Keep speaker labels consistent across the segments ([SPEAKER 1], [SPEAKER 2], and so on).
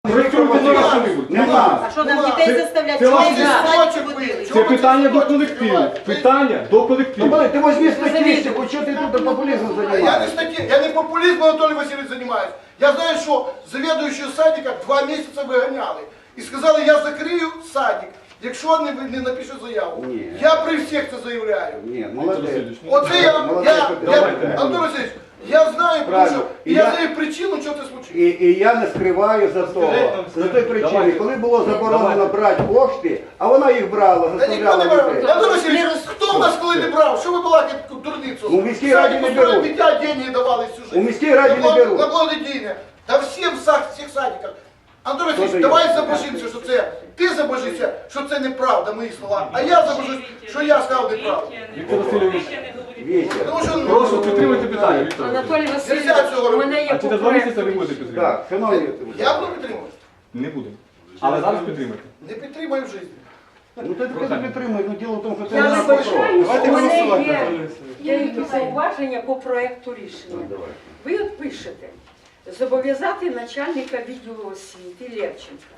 [SPEAKER 1] А що нам дітей заставляти?
[SPEAKER 2] Це питання до колективу. Питання до колективу.
[SPEAKER 3] Ты возьми статистику, что ты тут популизмом занимаешься?
[SPEAKER 4] Я не популизмом, Анатолий Васильевич, занимаюсь. Я знаю, что заведующую садика 2 месяца выгоняли. И сказали, я закрию садик, якщо не напишу заяву.
[SPEAKER 3] Ні.
[SPEAKER 4] Я при всіх це заявляю.
[SPEAKER 3] Нет, молодец.
[SPEAKER 4] Оце Антон Васильевич, я знаю, тому що я
[SPEAKER 3] Я-
[SPEAKER 4] знаю причину, що це случилось.
[SPEAKER 3] І я не скриваю за того. За той причини, коли було заборонено брати кошти, а вона їх брала,
[SPEAKER 4] Та ніхто
[SPEAKER 3] заставляла
[SPEAKER 4] не брав.
[SPEAKER 3] дітей.
[SPEAKER 4] Антон Васильович, хто в нас коли не брав? Що ви балакаєте дурницю?
[SPEAKER 3] У міській раді не
[SPEAKER 4] Садику
[SPEAKER 3] беруть.
[SPEAKER 4] дитя деньги давали всю жизнь.
[SPEAKER 3] У міській раді не беруть.
[SPEAKER 4] На благодійне. Та всім всіх садиках. Антон Васильович,
[SPEAKER 3] дає?
[SPEAKER 4] давай забожимося, що це, ти забожися, що це неправда, мої слова, а я забожусь, що я сказав неправду.
[SPEAKER 2] Віктор Васильович,
[SPEAKER 3] Вітя.
[SPEAKER 4] Тому що,
[SPEAKER 2] прошу підтримуйте питання, Віктор.
[SPEAKER 1] Анатолій
[SPEAKER 4] Нельзя
[SPEAKER 1] Васильович,
[SPEAKER 4] цього
[SPEAKER 1] у мене є
[SPEAKER 2] А через 2 місяці ви будете підтримувати?
[SPEAKER 3] Так, шановні,
[SPEAKER 4] я буду підтримувати.
[SPEAKER 2] Не будемо. Але зараз підтримайте.
[SPEAKER 4] Не підтримаю в житті.
[SPEAKER 3] ну ти підтримуй, ну діло в тому, що це
[SPEAKER 1] Я
[SPEAKER 3] не
[SPEAKER 1] вибачаю,
[SPEAKER 3] Давайте
[SPEAKER 1] у мене
[SPEAKER 3] голосувати.
[SPEAKER 1] є якісь зауваження по проекту рішення. Ви от пишете, зобов'язати начальника відділу освіти Левченка.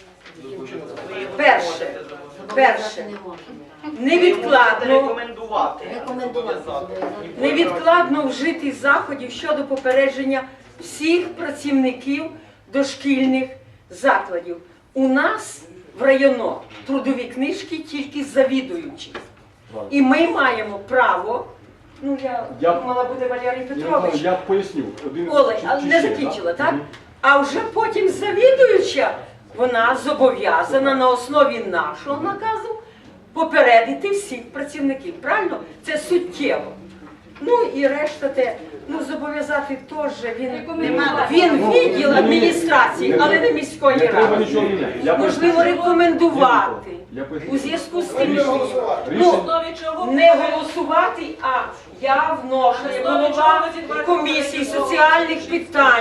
[SPEAKER 1] Перше, невідкладно вжити заходів щодо попередження всіх працівників дошкільних закладів. У нас в районо трудові книжки тільки завідуючі. І ми маємо право, ну я думала, буде Валерій Петрович.
[SPEAKER 2] Я поясню.
[SPEAKER 1] Олег, але не закінчила, так? А вже потім завідуюча, вона зобов'язана на основі нашого наказу попередити всіх працівників. Правильно? Це суттєво. Ну і решта те, ну зобов'язати теж він відділ адміністрації, але не міської
[SPEAKER 2] Не треба
[SPEAKER 1] ради.
[SPEAKER 2] нічого міняти.
[SPEAKER 1] Можливо, рекомендувати
[SPEAKER 2] Я поясню.
[SPEAKER 1] у зв'язку з тим,
[SPEAKER 4] Не
[SPEAKER 1] що
[SPEAKER 4] голосувати.
[SPEAKER 1] не голосувати, а я вношу як голова комісії соціальних питань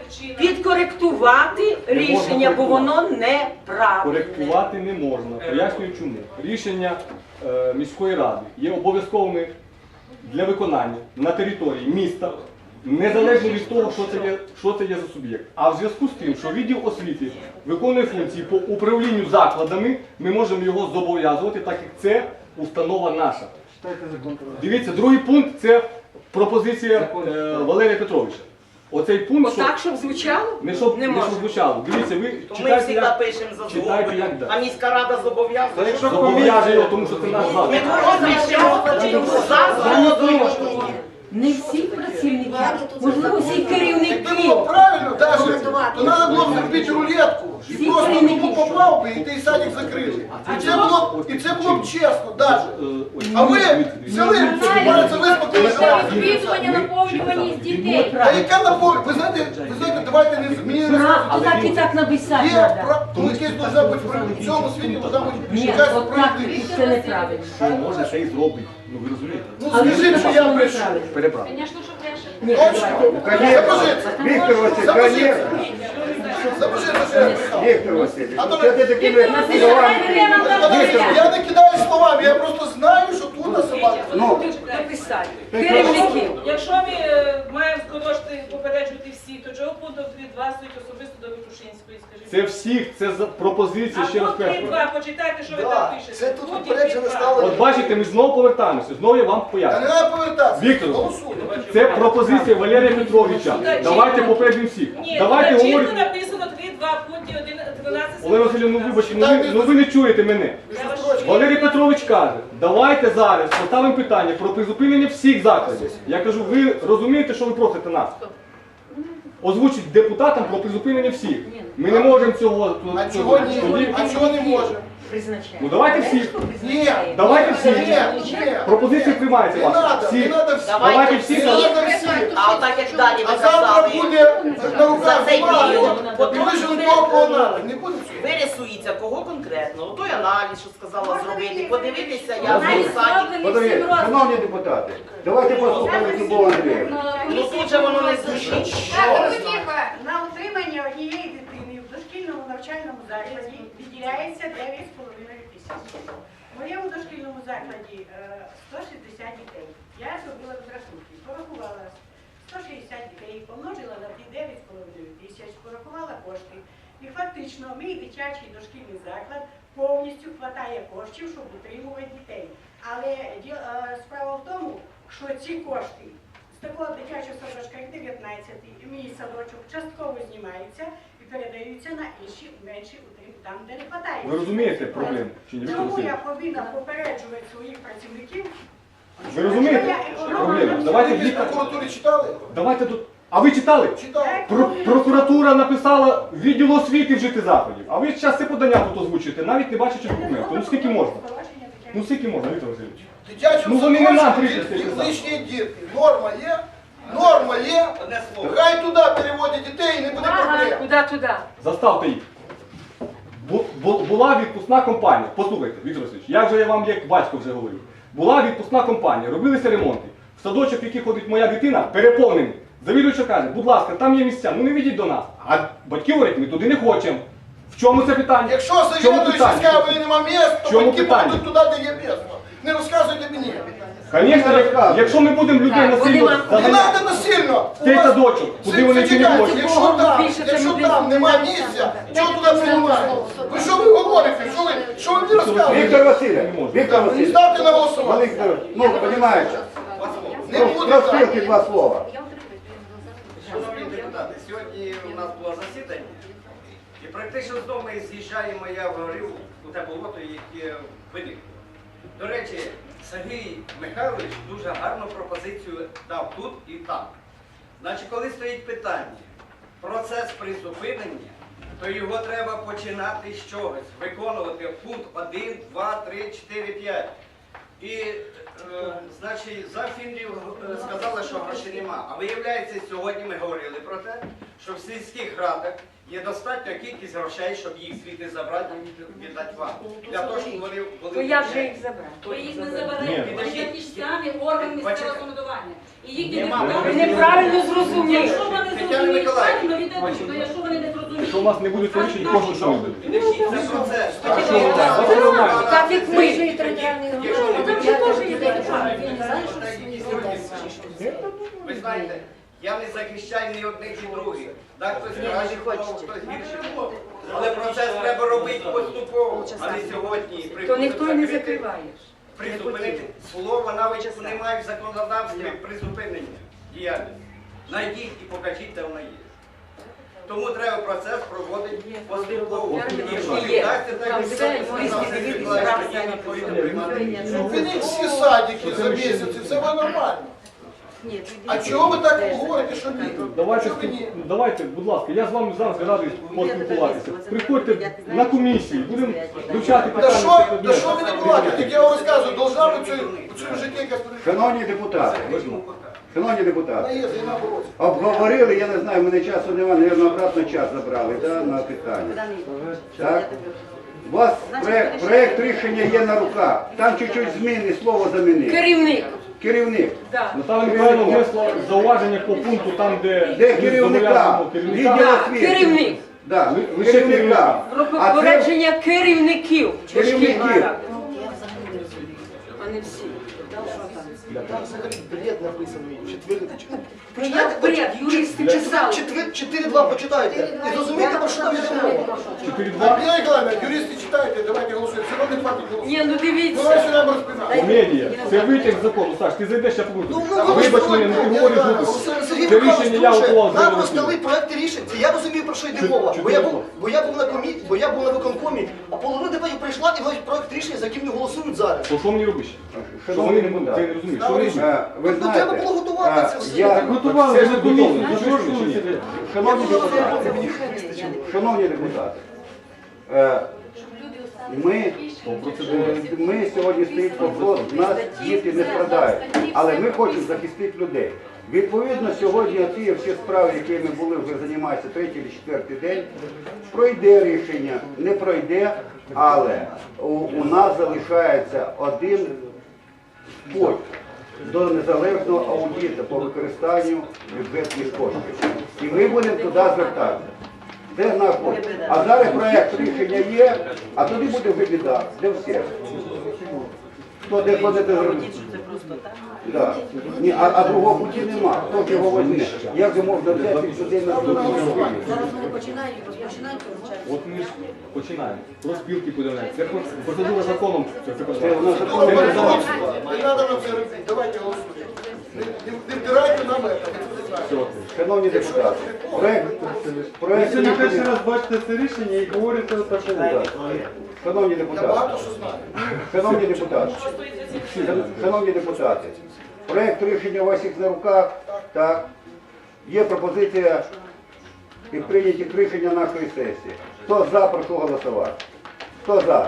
[SPEAKER 1] підкоректувати рішення, бо воно неправильне.
[SPEAKER 2] Коректувати не можна. Пояснюю чому. Рішення міської ради є обов'язковими для виконання на території міста, незалежно від того, що це є за суб'єкт. А в зв'язку з тим, що відділ освіти виконує функції по управлінню закладами, ми можемо його зобов'язувати, так як це установа наша. Дивіться, другий пункт – це пропозиція Валерія Петровича. Оцей пункт,
[SPEAKER 1] Отак, щоб звучало?
[SPEAKER 2] не щоб
[SPEAKER 1] Не може.
[SPEAKER 2] звучало. Дивіться, ви
[SPEAKER 5] Ми
[SPEAKER 2] читайте,
[SPEAKER 5] всі
[SPEAKER 2] як
[SPEAKER 5] пишемо за
[SPEAKER 2] читайте,
[SPEAKER 5] згодою,
[SPEAKER 2] як
[SPEAKER 5] а міська рада зобов'язує.
[SPEAKER 2] зобов'яже його, тому що це наш заклад.
[SPEAKER 5] Ми пишемо за згодою.
[SPEAKER 1] Не всі працівники, можливо, всі
[SPEAKER 4] Якби
[SPEAKER 1] керівники.
[SPEAKER 4] було правильно, Даша, то треба було б зробити рулетку. І просто тупо попав би, і той садик закрили. І це було б чесно, Даша. А ви взяли, збираються виспокоїли.
[SPEAKER 6] Записування наповнюваність дітей.
[SPEAKER 4] А яка наповнення? Ви знаєте, давайте не мені не
[SPEAKER 1] А так і так написати
[SPEAKER 4] Є,
[SPEAKER 1] треба.
[SPEAKER 4] ну якесь должна бути, в цьому світі должна бути
[SPEAKER 1] Ні,
[SPEAKER 4] якась
[SPEAKER 1] от так
[SPEAKER 4] справедливість.
[SPEAKER 1] це неправильно.
[SPEAKER 2] Що може це і зробить. Ну ви розумієте?
[SPEAKER 4] Ну скажіть, що я прийшов.
[SPEAKER 2] Переправ.
[SPEAKER 6] Звісно, що брешуть.
[SPEAKER 1] Ні,
[SPEAKER 4] Точно?
[SPEAKER 1] давайте.
[SPEAKER 4] Запишіться.
[SPEAKER 3] Віктор Васильович,
[SPEAKER 4] Запишіться.
[SPEAKER 3] конечно.
[SPEAKER 4] Запишіться, що я прийшов.
[SPEAKER 3] Віктор Васильович,
[SPEAKER 4] Антон
[SPEAKER 3] що ти такими словами?
[SPEAKER 4] Я не кидаю словами, я просто знаю, що тут на собака.
[SPEAKER 3] Ну,
[SPEAKER 1] Написати. Керівників.
[SPEAKER 7] Якщо ми маємо скорочити, попереджувати всіх, то чого пункт 3.2 стоїть особисто до Витушинської, скажіть?
[SPEAKER 2] Це всіх, це пропозиції,
[SPEAKER 7] А
[SPEAKER 2] ще раз
[SPEAKER 7] пункт
[SPEAKER 2] кажу.
[SPEAKER 7] 3.2, почитайте, що ви там пишете.
[SPEAKER 4] це тут
[SPEAKER 7] Пункт
[SPEAKER 4] попереджено
[SPEAKER 7] 3.2.
[SPEAKER 4] стало.
[SPEAKER 2] От бачите, ми знову повертаємося, знову я вам
[SPEAKER 4] Та не
[SPEAKER 2] поясню.
[SPEAKER 4] треба повертатися.
[SPEAKER 2] Віктор,
[SPEAKER 4] Голосуємо.
[SPEAKER 2] це пропозиція Валерія Петровича. Давайте попередимо всіх.
[SPEAKER 7] Ні,
[SPEAKER 2] Давайте
[SPEAKER 7] тут чітко
[SPEAKER 2] говорити.
[SPEAKER 7] написано 3.2 в пункті 12.
[SPEAKER 2] Олег Васильович, ну вибачте, ну ви не чуєте мене. Валерій Петрович каже, давайте зараз поставимо питання про призупинення всіх закладів. Я кажу, ви розумієте, що ви просите нас? Озвучить депутатам про призупинення всіх. Ми не можемо цього.
[SPEAKER 4] А чого ні? А чого не може?
[SPEAKER 1] Призначає.
[SPEAKER 2] Ну давайте всіх.
[SPEAKER 4] Ні.
[SPEAKER 2] Давайте всі.
[SPEAKER 4] Ні.
[SPEAKER 2] Пропозиції приймаються
[SPEAKER 4] Не
[SPEAKER 2] ваші.
[SPEAKER 4] треба, не
[SPEAKER 2] Всі.
[SPEAKER 4] треба всі.
[SPEAKER 2] Давайте всі.
[SPEAKER 4] Не треба всі.
[SPEAKER 5] А отак як далі ви
[SPEAKER 4] А завтра
[SPEAKER 5] казали,
[SPEAKER 4] буде на руках
[SPEAKER 5] За цей
[SPEAKER 4] бумага,
[SPEAKER 5] період
[SPEAKER 4] і вижили того, кого треба. Не буде всього.
[SPEAKER 5] вирисується кого конкретно. Той аналіз, що сказала зробити, подивитися, як
[SPEAKER 6] Аналіз
[SPEAKER 5] в саді.
[SPEAKER 6] зроблений
[SPEAKER 3] Подивіться,
[SPEAKER 6] всім розміром.
[SPEAKER 3] шановні депутати, давайте послухаємо Любов Андріївну.
[SPEAKER 5] Ну тут же воно не звучить.
[SPEAKER 8] Так, ну, тихо, на утримання однієї дитини в дошкільному навчальному закладі виділяється 9,5 тисяч. В моєму дошкільному закладі 160 дітей. Я зробила розрахунки, порахувала 160 дітей, помножила на ті 9,5 тисяч, порахувала кошти. І фактично мій дитячий дошкільний заклад повністю хватає коштів, щоб утримувати дітей. Але справа в тому, що ці кошти з такого дитячого садочка, як 19-й, мій садочок, частково знімаються і передаються на інші менші утримки, там, де не хватає.
[SPEAKER 2] Ви розумієте проблему? Чи ні, Віктор
[SPEAKER 8] Тому я
[SPEAKER 2] Васильович?
[SPEAKER 8] повинна попереджувати своїх працівників.
[SPEAKER 2] Ви розумієте проблему? Давайте
[SPEAKER 4] Ви в
[SPEAKER 2] лікар.
[SPEAKER 4] прокуратурі читали?
[SPEAKER 2] Давайте тут. А ви читали?
[SPEAKER 4] Читали.
[SPEAKER 2] Прокуратура написала відділ освіти вжити заходів. А ви зараз це подання тут озвучуєте, навіть не бачачи документу. Ну скільки можна? Ну скільки можна, Віктор Васильович?
[SPEAKER 4] Дитячому
[SPEAKER 2] Ну, вони не нам
[SPEAKER 4] садочку
[SPEAKER 2] прийшли,
[SPEAKER 4] є
[SPEAKER 2] це
[SPEAKER 4] лишні дітки. Норма є? Норма є? Хай туди переводять дітей і не буде
[SPEAKER 1] Ага,
[SPEAKER 4] проблем.
[SPEAKER 1] куди туди?
[SPEAKER 2] Заставте їх. Була відпускна компанія. Послухайте, Віктор Васильович, я вже вам як батько вже говорю. Була відпускна компанія, робилися ремонти. В садочок, в який ходить моя дитина, переповнений. Завідувача каже, будь ласка, там є місця, ну не ведіть до нас. А батьки говорять, ми туди не хочемо. В чому це питання?
[SPEAKER 4] Якщо
[SPEAKER 2] В чому
[SPEAKER 4] завідуючий
[SPEAKER 2] питання?
[SPEAKER 4] скаже, що нема місць, то
[SPEAKER 2] Чому
[SPEAKER 4] батьки
[SPEAKER 2] питання?
[SPEAKER 4] будуть туди, де є місце. Не розказуйте мені.
[SPEAKER 2] Звісно, якщо ми будемо людей
[SPEAKER 1] Так,
[SPEAKER 2] насильно
[SPEAKER 1] вони вам-
[SPEAKER 4] Не
[SPEAKER 2] заганяти
[SPEAKER 4] треба насильно.
[SPEAKER 2] в цей садочок, куди вони чи не
[SPEAKER 4] Зачекайте,
[SPEAKER 2] хочуть.
[SPEAKER 4] Якщо там нема місця, чого туди приймаєте? Ви що ви говорите? Що ви мені розказуєте?
[SPEAKER 3] Віктор Васильович, Віктор Васильович,
[SPEAKER 4] Ставте на голосування.
[SPEAKER 3] Віктор, ну, розумієте,
[SPEAKER 4] Не буде
[SPEAKER 3] про
[SPEAKER 4] так.
[SPEAKER 3] спілки два слова.
[SPEAKER 9] Шановні депутати, сьогодні у нас було засідання, і практично знову ми з'їжджаємо, я говорив у те болото, яке виникло. До речі, Сергій Михайлович дуже гарну пропозицію дав тут і там. Значить, коли стоїть питання, процес призупинення, то його треба починати з чогось, виконувати пункт 1, 2, 3, 4, 5. І, значить, завфіндрів сказали, що грошей нема. А виявляється, сьогодні ми говорили про те, що в сільських радах є достатня кількість грошей, щоб їх звідти забрати і віддати вам. Для того, щоб вони були...
[SPEAKER 1] То я вже їх забрав.
[SPEAKER 6] Ви їх не
[SPEAKER 2] Ні.
[SPEAKER 6] заберете, вони ті ж самі органи місцевого самоврядування. І їхні
[SPEAKER 9] Нема.
[SPEAKER 6] депутати...
[SPEAKER 1] Ви неправильно зрозуміли.
[SPEAKER 6] Якщо вони
[SPEAKER 9] Тетяна
[SPEAKER 6] зрозуміють
[SPEAKER 9] Миколаївна.
[SPEAKER 6] правильно, віддадуть, то якщо вони не зрозуміють...
[SPEAKER 2] Якщо у вас не буде рішення, кожен що не буде.
[SPEAKER 9] Підождіть, це процес.
[SPEAKER 2] А що ви так? Це нормально.
[SPEAKER 1] Так як ми.
[SPEAKER 9] Якщо не
[SPEAKER 1] Там же теж є держава.
[SPEAKER 9] Ви знаєте, я не захищаю ні одних, ні других. Так, хтось краще було, хтось гірше було. Але процес треба робити поступово, а не сьогодні.
[SPEAKER 1] То ніхто і не закриває.
[SPEAKER 9] Призупинити. Слово навіть немає в законодавстві призупинення діяльності. Найдіть і покажіть, де вона є. Тому треба процес проводити поступово. Якщо не
[SPEAKER 1] Є.
[SPEAKER 9] вдасться, так
[SPEAKER 1] Там
[SPEAKER 9] і
[SPEAKER 1] все,
[SPEAKER 9] все,
[SPEAKER 1] юристи,
[SPEAKER 9] Сергій
[SPEAKER 1] дивіться,
[SPEAKER 9] Миколаївич,
[SPEAKER 1] справді
[SPEAKER 9] тоді
[SPEAKER 1] не
[SPEAKER 9] відповідно приймати.
[SPEAKER 4] Зупиніть всі садики за місяць, і це буде нормально. А чого ви так говорите, що ні?
[SPEAKER 2] Давайте,
[SPEAKER 4] Чого ви ні?
[SPEAKER 2] давайте, будь ласка, я з вами зараз радий поспілкуватися. Приходьте на комісію, будемо вивчати
[SPEAKER 4] Та
[SPEAKER 2] питання.
[SPEAKER 4] що ви не платите? Так я вам розказую, должна бути у цьому житті якась
[SPEAKER 3] Шановні депутати, шановні депутати,
[SPEAKER 4] Вона є, і наоборот.
[SPEAKER 3] обговорили, я не знаю, в мене часу немає, мабуть, обратно час забрали, да, на питання. Так? У вас проєкт рішення є на руках, там чуть-чуть зміни, слово замінив.
[SPEAKER 1] Керівник.
[SPEAKER 3] Керівник.
[SPEAKER 1] Так.
[SPEAKER 2] Наталя Миколаївна внесла зауваження по пункту там, де
[SPEAKER 3] Де
[SPEAKER 2] ми
[SPEAKER 3] керівника?
[SPEAKER 2] зобов'язуємо керівника.
[SPEAKER 3] Відділ
[SPEAKER 1] Так,
[SPEAKER 3] освіти.
[SPEAKER 1] керівник.
[SPEAKER 3] Да,
[SPEAKER 2] Лише
[SPEAKER 3] керівника.
[SPEAKER 1] Про
[SPEAKER 3] А це
[SPEAKER 1] попередження керівників.
[SPEAKER 3] керівників.
[SPEAKER 1] А не всі.
[SPEAKER 10] Там взагалі бред написаний, четвертий.
[SPEAKER 1] Ну як бред, юристи писали.
[SPEAKER 10] 4.2 почитайте. І зрозумієте, про що там йде мова.
[SPEAKER 2] 4.2.
[SPEAKER 4] Антоніна Ніколаївна, юристи читайте, давайте голосуємо. Все одно не хватить голосу.
[SPEAKER 1] Ні, ну
[SPEAKER 4] Ну,
[SPEAKER 1] дивіться.
[SPEAKER 4] ви сюди нам розпинати.
[SPEAKER 2] Комедія. Це витяг з закону. Саш, ти зайдеш, я поговорю.
[SPEAKER 10] Ну,
[SPEAKER 2] Вибач мене, ну ти говориш глупості.
[SPEAKER 10] Сергій
[SPEAKER 2] Це
[SPEAKER 10] Михайлович,
[SPEAKER 2] рішення я готував
[SPEAKER 10] нам
[SPEAKER 2] зробити.
[SPEAKER 10] роздали проекти рішень. Це я розумію, про що йде мова. Бо я був на комісії, бо я був на виконкомі, а половина депутатів прийшла і мають проект рішення, за яким не голосують зараз.
[SPEAKER 2] То що мені робиш? Що вони не будуть? Ти не розумієш. Що вони робиш?
[SPEAKER 3] Ви
[SPEAKER 10] Ну, треба
[SPEAKER 3] знаєте,
[SPEAKER 10] було готувати це все.
[SPEAKER 3] я
[SPEAKER 2] Готували, вже комісію.
[SPEAKER 3] Шановні депутати, шановні депутати, ми сьогодні стоїть вопрос, в нас діти не страдають, але ми хочемо захистити людей. Відповідно, сьогодні ці всі справи, які ми були, вже займаються третій чи четвертий день, пройде рішення, не пройде, але у нас залишається один путь до незалежного аудиту по використанню бюджетних коштів. І ми будемо туди звертатися. Це наш путь. А зараз проєкт рішення є, а тоді буде вже біда для всіх. Хто де ходить зробити. Да. Ні, а другого путі нема. Хто ж його возьме? Як же можна взяти людей на
[SPEAKER 2] От ми ж починаємо. Про спілки подивляємо. Це процедура законом.
[SPEAKER 3] Це у нас
[SPEAKER 4] Ну,
[SPEAKER 3] закон не
[SPEAKER 4] пожалуйста,
[SPEAKER 3] передбачено.
[SPEAKER 4] не надо нам це робити. Давайте голосуємо. Не втирайте нам це.
[SPEAKER 3] Шановні депутати, проект
[SPEAKER 11] Сьогодні перший
[SPEAKER 3] рішення.
[SPEAKER 11] раз бачите це рішення і говорите такого.
[SPEAKER 3] Шановні
[SPEAKER 4] Я
[SPEAKER 3] депутати,
[SPEAKER 4] багато що знаю.
[SPEAKER 3] шановні депутати, проект рішення у вас їх на руках, так, є пропозиція і прийняті рішення нашої сесії. Хто за, прошу голосувати. Хто за?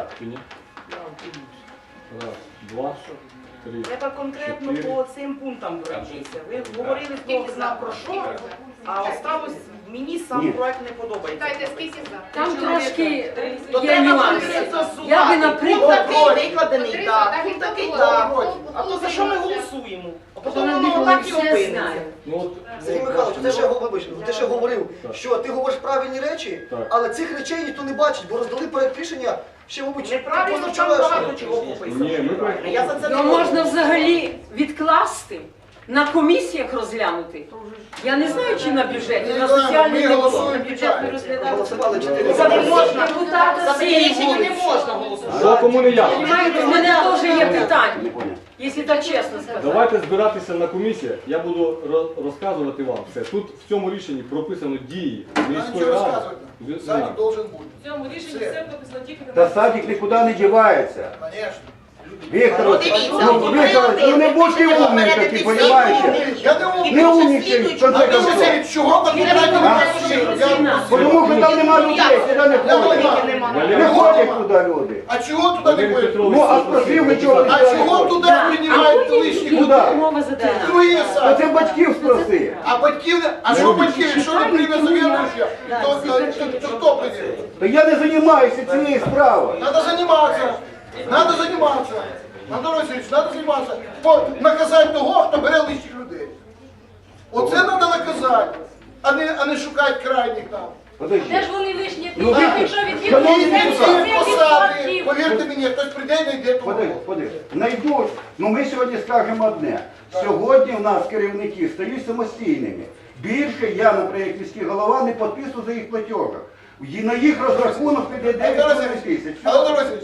[SPEAKER 2] Раз, два, три.
[SPEAKER 5] Треба конкретно по цим пунктам пройтися. Ви говорили Бог зна про що, а осталось мені сам
[SPEAKER 3] Ні.
[SPEAKER 5] проект не подобається.
[SPEAKER 1] Там трошки
[SPEAKER 5] То
[SPEAKER 1] є
[SPEAKER 5] треба
[SPEAKER 1] нюанси.
[SPEAKER 5] конкретно
[SPEAKER 1] Я би,
[SPEAKER 5] зсувати.
[SPEAKER 1] наприклад,
[SPEAKER 5] Пункт такий викладений так, пункт такий так. А то за що ми голосуємо? А потім воно так і
[SPEAKER 1] все
[SPEAKER 5] опиниться.
[SPEAKER 1] знаю.
[SPEAKER 2] Ну от,
[SPEAKER 10] Сергій Михайлович, ти ще говорив, що ти говориш правильні речі,
[SPEAKER 2] Так.
[SPEAKER 10] але цих речей ніхто не бачить, бо роздали проект рішення ще, мабуть,
[SPEAKER 5] Неправильно там
[SPEAKER 10] позавчорашнього.
[SPEAKER 5] багато чого пописано.
[SPEAKER 2] ні, ми проект.
[SPEAKER 5] Я за це не
[SPEAKER 1] Його
[SPEAKER 5] говорю.
[SPEAKER 1] можна взагалі відкласти, на комісіях розглянути. Я не знаю, чи на бюджеті, на соціальний
[SPEAKER 4] Ми
[SPEAKER 1] не було.
[SPEAKER 4] голосуємо.
[SPEAKER 10] Голосували 4
[SPEAKER 5] За таке
[SPEAKER 10] за.
[SPEAKER 1] Депутати
[SPEAKER 5] За таке
[SPEAKER 1] всі
[SPEAKER 5] рішення не
[SPEAKER 1] вулиці.
[SPEAKER 5] можна голосувати.
[SPEAKER 2] Що кому не ясно?
[SPEAKER 1] Понимаєте, в мене теж є питання,
[SPEAKER 3] Не понял.
[SPEAKER 1] якщо так чесно сказати.
[SPEAKER 2] Давайте збиратися на комісіях, я буду розказувати вам все. Тут в цьому рішенні прописано дії міської
[SPEAKER 4] Нічого
[SPEAKER 2] ради.
[SPEAKER 4] розказувати. Садик должен бути.
[SPEAKER 7] В цьому рішенні все прописано тільки на
[SPEAKER 3] Та садик нікуди не дівається.
[SPEAKER 4] Конечно.
[SPEAKER 3] Віктор,
[SPEAKER 5] Ну, дивіться,
[SPEAKER 3] Віктор, ну не будьте умні такі, розумієте?
[SPEAKER 4] Я не умний.
[SPEAKER 3] Не умнічай, в конце
[SPEAKER 4] А ви
[SPEAKER 3] концов.
[SPEAKER 4] Василь, чого конкретно не голосуєте?
[SPEAKER 3] Тому що там нема людей, сюди не ходять.
[SPEAKER 5] Немає.
[SPEAKER 3] Не ходять туди люди.
[SPEAKER 4] А чого туди не ходите?
[SPEAKER 3] Ну, а спросив, ви чого ви
[SPEAKER 4] А
[SPEAKER 3] туди не
[SPEAKER 4] чого
[SPEAKER 3] ходите?
[SPEAKER 4] туди приймають лишні
[SPEAKER 3] Куди?
[SPEAKER 4] люди?
[SPEAKER 1] Мова за те.
[SPEAKER 4] Другі
[SPEAKER 3] А
[SPEAKER 4] садики.
[SPEAKER 3] це батьків спроси.
[SPEAKER 4] А батьків не... А що батьків, якщо не прийме завідувача, то хто прийде?
[SPEAKER 3] Та я не займаюся цією справою.
[SPEAKER 4] Надо заниматься. Надо заниматься. Антон Васильович, надо заниматься. Наказати того, хто бере лишніх людей. Оце треба наказати, а не шукати крайніх там.
[SPEAKER 6] Де
[SPEAKER 3] Подожди.
[SPEAKER 6] ж вони вишні?
[SPEAKER 3] Ну,
[SPEAKER 6] Якщо від
[SPEAKER 3] шановні
[SPEAKER 4] І
[SPEAKER 3] депутати.
[SPEAKER 4] всі посади, повірте мені, хтось прийде і знайде того.
[SPEAKER 3] Подожди. Найдуть. Ну ми сьогодні скажемо одне. Сьогодні в нас керівники стають самостійними. Більше я, наприклад, як міський голова, не підписую за їх платежах. І на їх розрахунок піде 9 тисяч.
[SPEAKER 4] Антон Васильович,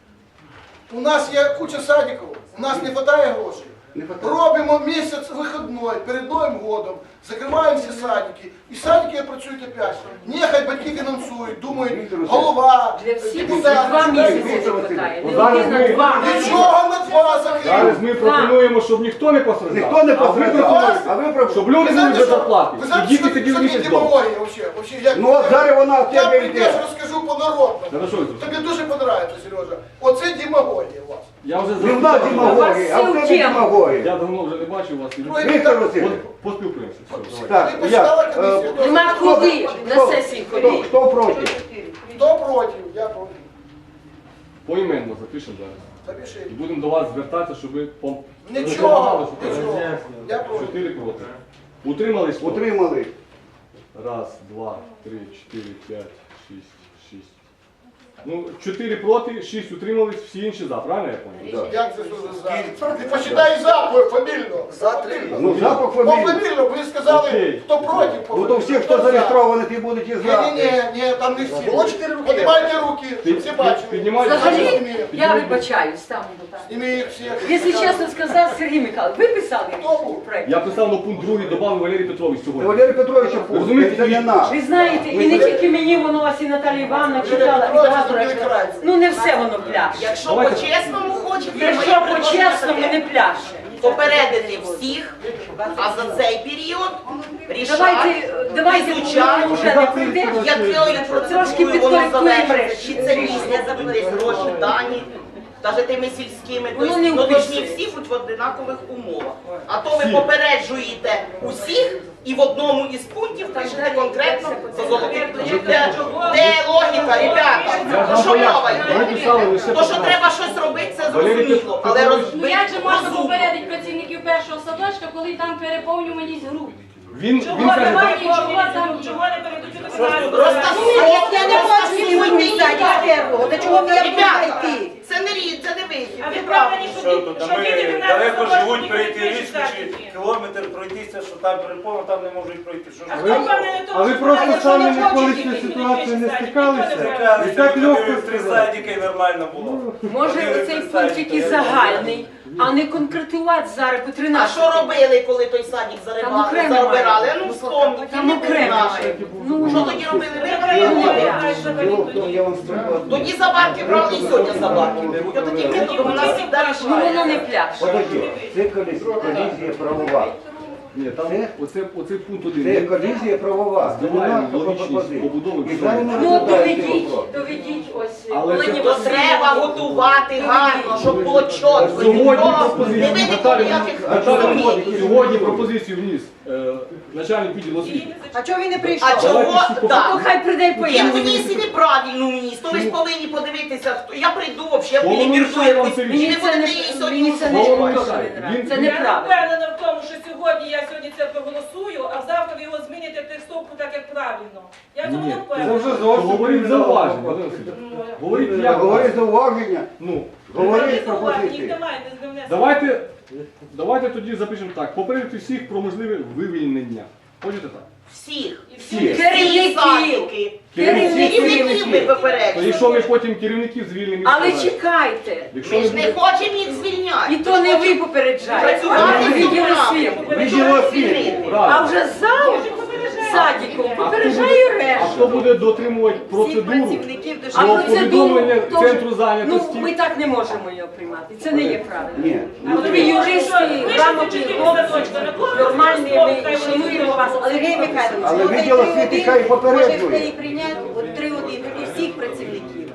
[SPEAKER 4] у нас є куча садиків, у нас не вистачає грошей.
[SPEAKER 3] Не хватає.
[SPEAKER 4] Робимо місяць вихідний перед Новим годом, закриваємо всі садики, і садики працюють опять. Нехай батьки фінансують, думають, голова,
[SPEAKER 1] Для всіх
[SPEAKER 4] депутати.
[SPEAKER 1] 2 місяці не
[SPEAKER 3] Віктор
[SPEAKER 1] вистачає.
[SPEAKER 2] Васильович,
[SPEAKER 1] Не
[SPEAKER 2] зараз
[SPEAKER 1] один,
[SPEAKER 2] ми-
[SPEAKER 1] а 2.
[SPEAKER 4] Нічого на два закрили.
[SPEAKER 2] Зараз ми пропонуємо, щоб ніхто не постраждав.
[SPEAKER 3] Ніхто не
[SPEAKER 2] А ви
[SPEAKER 3] постраждав.
[SPEAKER 2] пропонуєте,
[SPEAKER 3] А ви пропонуєте.
[SPEAKER 2] щоб люди були без зарплати.
[SPEAKER 4] Ви
[SPEAKER 2] І
[SPEAKER 4] знаєте,
[SPEAKER 2] діти
[SPEAKER 4] що
[SPEAKER 2] сиділи
[SPEAKER 4] це
[SPEAKER 2] місяць вдома.
[SPEAKER 4] демагогія вообще? Як...
[SPEAKER 3] Ну от зараз вона в
[SPEAKER 4] Я
[SPEAKER 3] тебе
[SPEAKER 4] прийдеш,
[SPEAKER 3] йде.
[SPEAKER 4] розкажу по-народному.
[SPEAKER 2] Хорошо, Віктор.
[SPEAKER 4] Тобі дуже подобається, Сережа. Оце демагогія у вас.
[SPEAKER 2] Я вже
[SPEAKER 3] Не в нас демагогія, а в тебе демагогія.
[SPEAKER 2] Я давно вже не бачив вас.
[SPEAKER 3] Віктор Васильович.
[SPEAKER 2] Поспілкуємося. Все, давай.
[SPEAKER 3] Так,
[SPEAKER 4] Ти почитала
[SPEAKER 3] я.
[SPEAKER 4] комісію?
[SPEAKER 1] Нема куди на сесії ходити.
[SPEAKER 3] Хто проти?
[SPEAKER 4] Хто проти? Я проти.
[SPEAKER 2] Поіменно запишемо зараз.
[SPEAKER 4] Запиши.
[SPEAKER 2] І будемо до вас звертатися, щоб ви
[SPEAKER 4] Нічого, нічого. Я проти.
[SPEAKER 2] 4 проти. Утримались? хто?
[SPEAKER 3] Утримали.
[SPEAKER 2] Раз, два, три, 4, 5, 6, 6. Ну, 4 проти, 6 утримались, всі інші за, правильно я пам'ятаю?
[SPEAKER 3] Да.
[SPEAKER 4] Як це що за за? Ти почитай запах фамільно.
[SPEAKER 10] За 3.
[SPEAKER 3] Ну запах
[SPEAKER 4] По
[SPEAKER 3] фамілії.
[SPEAKER 4] фамільно, ви сказали,
[SPEAKER 2] Окей.
[SPEAKER 4] хто проти. по
[SPEAKER 3] Ну то всі,
[SPEAKER 4] фамільно.
[SPEAKER 3] хто
[SPEAKER 4] за?
[SPEAKER 3] зареєстрований, ти будуть і за.
[SPEAKER 4] Ні, там не всі.
[SPEAKER 10] Було 4 руки.
[SPEAKER 4] Піднімайте руки, щоб всі бачили.
[SPEAKER 2] Піднімайте.
[SPEAKER 1] Взагалі, я вибачаюсь там.
[SPEAKER 4] Зніми їх всіх.
[SPEAKER 1] Якщо чесно сказати, Сергій Михайлович, ви писали
[SPEAKER 4] Хто був?
[SPEAKER 1] проект?
[SPEAKER 2] Я писав на пункт 2, додав Валерій Петрович сьогодні.
[SPEAKER 3] Валерій Петровича
[SPEAKER 2] Розумієте,
[SPEAKER 3] це не наш.
[SPEAKER 1] Ви знаєте, і не тільки мені воно, а і Наталія Івановна читала, і багато разів. Ну не все воно пляше.
[SPEAKER 5] Якщо
[SPEAKER 2] Давайте.
[SPEAKER 5] по-чесному хочете,
[SPEAKER 1] Якщо по-чесному не пляше.
[SPEAKER 5] попередити всіх, а за цей період
[SPEAKER 1] Давайте воно вже не прийде.
[SPEAKER 5] якою
[SPEAKER 1] Трошки
[SPEAKER 5] процедурою воно
[SPEAKER 1] підкоректуємо
[SPEAKER 5] завершиться,
[SPEAKER 1] решті.
[SPEAKER 5] чи це після будуть десь гроші дані, навіть тими сільськими,
[SPEAKER 1] Воно не
[SPEAKER 5] тобто повинні
[SPEAKER 1] вписується.
[SPEAKER 5] всі бути в однакових умовах. А то ви
[SPEAKER 2] Всі.
[SPEAKER 5] попереджуєте усіх і в одному із пунктів пишете конкретно за золотий ключ. Де логіка, ребята? Про що мова
[SPEAKER 2] Ми писали
[SPEAKER 5] йде?
[SPEAKER 2] лише
[SPEAKER 5] То, що
[SPEAKER 2] поправки.
[SPEAKER 5] треба щось робити, це
[SPEAKER 2] Валерій
[SPEAKER 5] зрозуміло, але
[SPEAKER 2] Петрович.
[SPEAKER 6] Ну як же можна
[SPEAKER 5] розумно.
[SPEAKER 6] попередити працівників першого садочка, коли там переповнюваність груп?
[SPEAKER 2] Він
[SPEAKER 7] Чого
[SPEAKER 2] каже,
[SPEAKER 7] немає,
[SPEAKER 6] чого
[SPEAKER 7] чого
[SPEAKER 6] там
[SPEAKER 7] там,
[SPEAKER 6] є?
[SPEAKER 7] чого не передуть до фінансу?
[SPEAKER 5] Розтасуйте,
[SPEAKER 8] Я не хочу сьогодні садик первого, до чого я буду
[SPEAKER 5] Ребята,
[SPEAKER 8] йти?
[SPEAKER 5] це не вихід.
[SPEAKER 7] А ви
[SPEAKER 5] ви
[SPEAKER 7] впевнені,
[SPEAKER 5] праві.
[SPEAKER 7] що
[SPEAKER 12] Що тут? А
[SPEAKER 7] що діти
[SPEAKER 12] ми
[SPEAKER 7] 12
[SPEAKER 12] далеко
[SPEAKER 7] років
[SPEAKER 12] живуть
[SPEAKER 7] не
[SPEAKER 12] перейти
[SPEAKER 7] будуть
[SPEAKER 12] річку чи
[SPEAKER 7] читати?
[SPEAKER 12] кілометр пройтися, що там переповно, там не можуть пройти. Що ж
[SPEAKER 7] А
[SPEAKER 12] ви?
[SPEAKER 7] хто впевнений в тому,
[SPEAKER 11] А ви
[SPEAKER 7] що
[SPEAKER 11] просто
[SPEAKER 7] знаєте,
[SPEAKER 11] самі
[SPEAKER 7] що
[SPEAKER 11] ніколи
[SPEAKER 7] хочуть
[SPEAKER 11] з цією
[SPEAKER 7] діти,
[SPEAKER 11] ситуацією не
[SPEAKER 7] ніхто
[SPEAKER 11] стикалися?
[SPEAKER 7] не знає.
[SPEAKER 12] Чекали,
[SPEAKER 11] І так
[SPEAKER 12] що
[SPEAKER 11] легко
[SPEAKER 12] люди в три
[SPEAKER 11] сказати.
[SPEAKER 12] садики і нормально було.
[SPEAKER 1] Може оцей пункт який загальний, а не конкретувати зараз по
[SPEAKER 5] А
[SPEAKER 1] 13.
[SPEAKER 5] що робили, коли той садик
[SPEAKER 1] Там окремо
[SPEAKER 5] заобирали?
[SPEAKER 1] має.
[SPEAKER 5] Ну вспомніть,
[SPEAKER 1] Там
[SPEAKER 5] не було
[SPEAKER 1] окремо
[SPEAKER 5] наших.
[SPEAKER 1] має. Ну,
[SPEAKER 5] Що тоді робили? Ви
[SPEAKER 7] Треба
[SPEAKER 5] робили?
[SPEAKER 3] Діло в тому, я вам скажу.
[SPEAKER 5] Тоді забарки брали і сьогодні забарки беруть. От таким методом у нас завжди
[SPEAKER 1] ну воно
[SPEAKER 5] рішає.
[SPEAKER 1] не пляж.
[SPEAKER 3] Подожди, це колізія правова.
[SPEAKER 2] Ні, там оцей пункт
[SPEAKER 3] Це
[SPEAKER 2] 1.
[SPEAKER 3] колізія правова. Це
[SPEAKER 2] Немає
[SPEAKER 3] нема
[SPEAKER 2] логічність
[SPEAKER 3] пропозиції.
[SPEAKER 2] побудови
[SPEAKER 3] І
[SPEAKER 2] всього.
[SPEAKER 3] далі ми
[SPEAKER 1] Ну
[SPEAKER 3] розглядаємо цей
[SPEAKER 1] доведіть,
[SPEAKER 3] вопрос.
[SPEAKER 1] доведіть ось
[SPEAKER 2] Але
[SPEAKER 1] Олені
[SPEAKER 2] це
[SPEAKER 5] То
[SPEAKER 1] Василівні.
[SPEAKER 5] треба готувати гарно, щоб було чітко.
[SPEAKER 2] Сьогодні
[SPEAKER 5] Не
[SPEAKER 2] пропозицію
[SPEAKER 5] виникло ніяких
[SPEAKER 2] Наталя,
[SPEAKER 5] сумнівів.
[SPEAKER 2] сьогодні пропозицію вніс начальник відділу освіти.
[SPEAKER 8] А чого він не прийшов?
[SPEAKER 5] А чого?
[SPEAKER 1] То
[SPEAKER 5] Так.
[SPEAKER 1] хай прийде і
[SPEAKER 5] Він
[SPEAKER 1] пояснить.
[SPEAKER 5] вніс і неправильно вніс, то ви ж повинні подивитися, хто. Я прийду взагалі,
[SPEAKER 2] Воно
[SPEAKER 5] мені
[SPEAKER 2] не
[SPEAKER 5] біржує,
[SPEAKER 2] вам
[SPEAKER 5] і
[SPEAKER 2] це
[SPEAKER 5] не
[SPEAKER 1] Мені це
[SPEAKER 5] будете
[SPEAKER 1] не,
[SPEAKER 5] її сьогодні
[SPEAKER 1] мені це не
[SPEAKER 5] узгоджувати.
[SPEAKER 1] теж не нравиться. Це
[SPEAKER 2] Він-
[SPEAKER 7] Я
[SPEAKER 1] неправильно.
[SPEAKER 7] впевнена в тому, що сьогодні я сьогодні це проголосую, а завтра ви його зміните текстовку так, як правильно. Я в цьому не
[SPEAKER 11] Це
[SPEAKER 7] впевнена.
[SPEAKER 11] вже
[SPEAKER 2] То
[SPEAKER 11] зовсім
[SPEAKER 2] говоріть зауваження, Вадим
[SPEAKER 7] Ну,
[SPEAKER 2] Васильович. Говоріть як.
[SPEAKER 3] Говори зауваження,
[SPEAKER 2] Ну,
[SPEAKER 3] говори
[SPEAKER 7] Їх
[SPEAKER 3] пропозиції.
[SPEAKER 7] немає, не внесено.
[SPEAKER 2] давайте тоді запишемо так. Попередити всіх про можливе вивільнення. Хочете так?
[SPEAKER 5] Всіх.
[SPEAKER 2] Всіх.
[SPEAKER 5] Керівників. Садики.
[SPEAKER 1] Керівників.
[SPEAKER 5] Керівників ми
[SPEAKER 2] То
[SPEAKER 5] попереджуємо.
[SPEAKER 2] якщо ми потім керівників звільнимо,
[SPEAKER 1] Але
[SPEAKER 2] сказали,
[SPEAKER 1] чекайте.
[SPEAKER 2] якщо
[SPEAKER 5] Ми
[SPEAKER 2] не
[SPEAKER 5] ж не
[SPEAKER 2] буде...
[SPEAKER 5] хочемо їх звільняти.
[SPEAKER 1] І то не ви попереджаєте,
[SPEAKER 5] Працювати
[SPEAKER 1] а відділ
[SPEAKER 5] цього
[SPEAKER 1] освіти.
[SPEAKER 3] Відділ освіти.
[SPEAKER 1] А
[SPEAKER 2] Правильно.
[SPEAKER 1] вже зал садиком попереджає
[SPEAKER 2] А
[SPEAKER 1] решту.
[SPEAKER 2] хто буде дотримувати процедуру
[SPEAKER 1] А
[SPEAKER 2] про
[SPEAKER 1] процедуру
[SPEAKER 2] повідомлення
[SPEAKER 1] теж-
[SPEAKER 2] центру
[SPEAKER 1] Ну,
[SPEAKER 2] зайнятості?
[SPEAKER 1] ми так не можемо його приймати. Це не є правильно.
[SPEAKER 3] Ні.
[SPEAKER 1] От ви юристи, грамотні хлопці, нормальні, ми шануємо вас, але
[SPEAKER 8] Сергій
[SPEAKER 1] ви
[SPEAKER 8] Михайлович,
[SPEAKER 3] Але
[SPEAKER 8] ну,
[SPEAKER 3] відділ
[SPEAKER 8] хай
[SPEAKER 3] освіти
[SPEAKER 8] 3-1,
[SPEAKER 3] хай попереджує.
[SPEAKER 8] Може, хай прийняти от 3-1, тоді всіх працівників.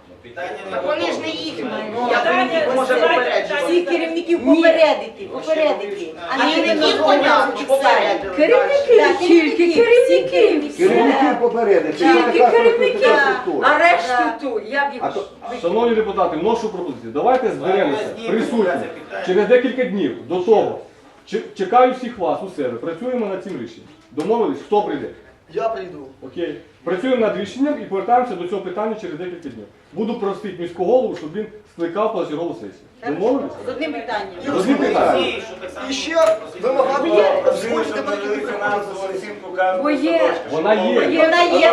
[SPEAKER 5] Так вони ж не їхні.
[SPEAKER 7] Питання-
[SPEAKER 5] Як вони може
[SPEAKER 7] питання-
[SPEAKER 5] попереджувати?
[SPEAKER 8] Всіх керівників попередити, попередити.
[SPEAKER 5] А керівників понятно, попередили.
[SPEAKER 1] керівники, тільки керівники.
[SPEAKER 3] Керівників попередити. Це
[SPEAKER 1] Тільки
[SPEAKER 3] така
[SPEAKER 1] керівники,
[SPEAKER 3] структура.
[SPEAKER 1] а решту ту, я б їх...
[SPEAKER 3] А то-
[SPEAKER 2] Шановні депутати, вношу пропозицію. Давайте зберемося присутні через декілька днів до того. Чекаю всіх вас у себе. Працюємо над цим рішенням. Домовились, хто прийде?
[SPEAKER 10] Я прийду.
[SPEAKER 2] Окей. Працюємо над рішенням і повертаємося до цього питання через декілька днів. Буду просити міського голову, щоб він скликав позачергову сесію. Домовились?
[SPEAKER 8] З одним питанням.
[SPEAKER 2] Одним питанням.
[SPEAKER 10] І ще вимагати
[SPEAKER 12] Звільнити
[SPEAKER 10] звольнити деякі
[SPEAKER 12] фінансову оцінку кожного
[SPEAKER 1] Бо є.
[SPEAKER 12] садочка.
[SPEAKER 2] Вона є.
[SPEAKER 8] Вона є, аналіз.
[SPEAKER 12] Вона є,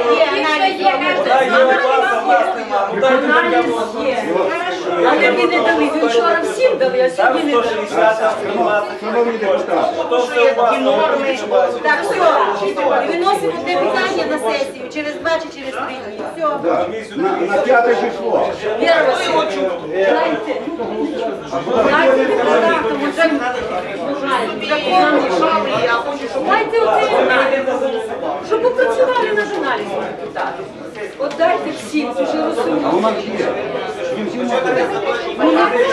[SPEAKER 12] у вас, а у вас нема. Ну дайте
[SPEAKER 1] Аналіз
[SPEAKER 12] таке
[SPEAKER 1] є. Але ви не дали, ви вчора всім дали, а
[SPEAKER 12] Там
[SPEAKER 1] сьогодні не дали.
[SPEAKER 12] 160, там 120
[SPEAKER 3] Шановні депутати,
[SPEAKER 12] То все у вас,
[SPEAKER 5] норми.
[SPEAKER 8] Так, все, виносимо те питання на сесію через 2 чи через 3 дні. Все.
[SPEAKER 3] да, на 5 число.
[SPEAKER 1] Віра Васильівна, дайте. Дайте депутатам, уже
[SPEAKER 5] Я хочу, щоб
[SPEAKER 1] дайте оцей аналіз, щоб попрацювали над аналізом депутати. От дайте всім, це ж
[SPEAKER 3] А у
[SPEAKER 1] розуміють.
[SPEAKER 3] нас є. Він всі може.
[SPEAKER 1] Ну,